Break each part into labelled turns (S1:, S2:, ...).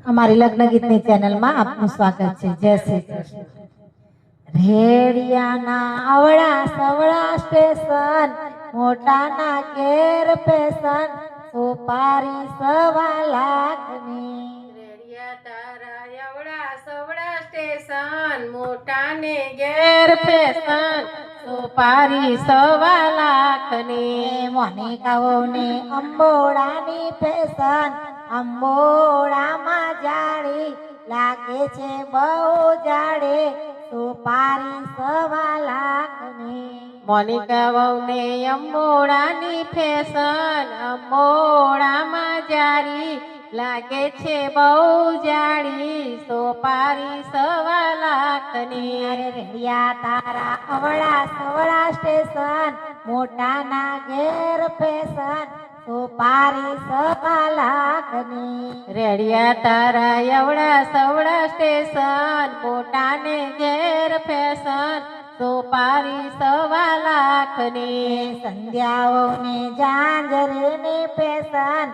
S1: અમારી લગ્ન ગીતની ચેનલમાં આપનું સ્વાગત છે। જય શ્રી કૃષ્ણ। રેડિયાના અવળા સવળા સ્ટેશન, મોટાના ઘેર પેશન, સુપારી 1.25 લાખની।
S2: રેડિયા તારા એવડા સવડા સ્ટેશન, મોટાને ઘેર ફેશન, સુપારી 1.25 લાખની।
S1: મોનિકાઓને અંબોડાની ફેશન, અંબોડામાં જાળી લાગે છે બહુ જાડે, સુપારી 1.25 લાખની।
S2: મોનિકા વહુને અંબોડાની ફેશન, અંબોડામાં જારી લાગે છે બહુ જાડી, સુપારી 1.25 લાખની।
S1: રેડિયા તારા અવળા સવળા સ્ટેશન, મોટાના ઘેર ફેશન, સુપારી 1.25 લાખની।
S2: રેડિયા તારા એવડા સવડા સ્ટેશન, મોટાને ઘેર ફેશન, સુપારી 1.25 લાખની।
S1: સંધ્યાઓને ઝાંઝરીની ફેશન,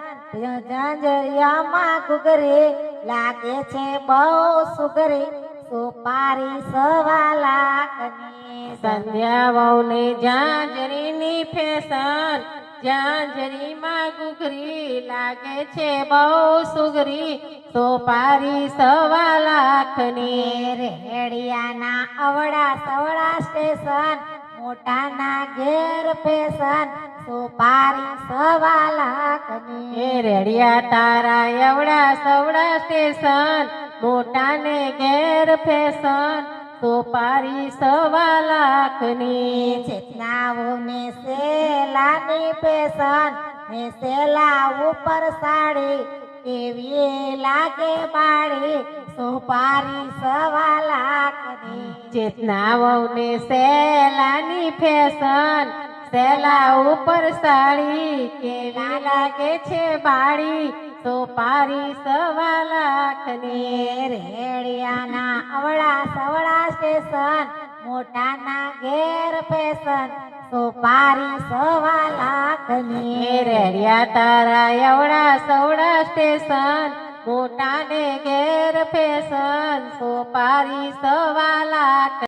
S1: ઝાંઝરિયામાં ઘૂઘરી લાગે છે બહુ સુઘરી, સુપારી 1.25 લાખની।
S2: સંધ્યા વહુને ઝાંઝરીની ફેશન, ઝાંઝરીમાં ઘૂઘરી લાગે છે બહુ સુઘરી, સુપારી 1.25 લાખની।
S1: રેડિયાના અવળા સવળા સ્ટેશન, મોટાના ઘેર ફેશન, સુપારી 1.25 લાખની।
S2: રેડિયા તારા એવડા સવડા સ્ટેશન, મોટાને ઘેર ફેશન, સુપારી 1.25 લાખની।
S1: ચેતનાઓને સેલાની ફેશન, ને સેલા ઉપર સાડી કેવી લાગે બાળી, સુપારી 1.25 લાખની।
S2: ચેતના વહુને સેલાની ફેશન, સેલા ઉપર સાડી કેવી લાગે છે બાળી, સુપારી 1.25 લાખની।
S1: રેડિયાના અવળા સવળા સ્ટેશન, મોટાના ઘેર ફેશન, સુપારી 1.25 લાખની।
S2: રેડિયા તારા એવડા સવડા સ્ટેશન, મોટાને ઘેર ફેશન, સુપારી 1.25 લાખ।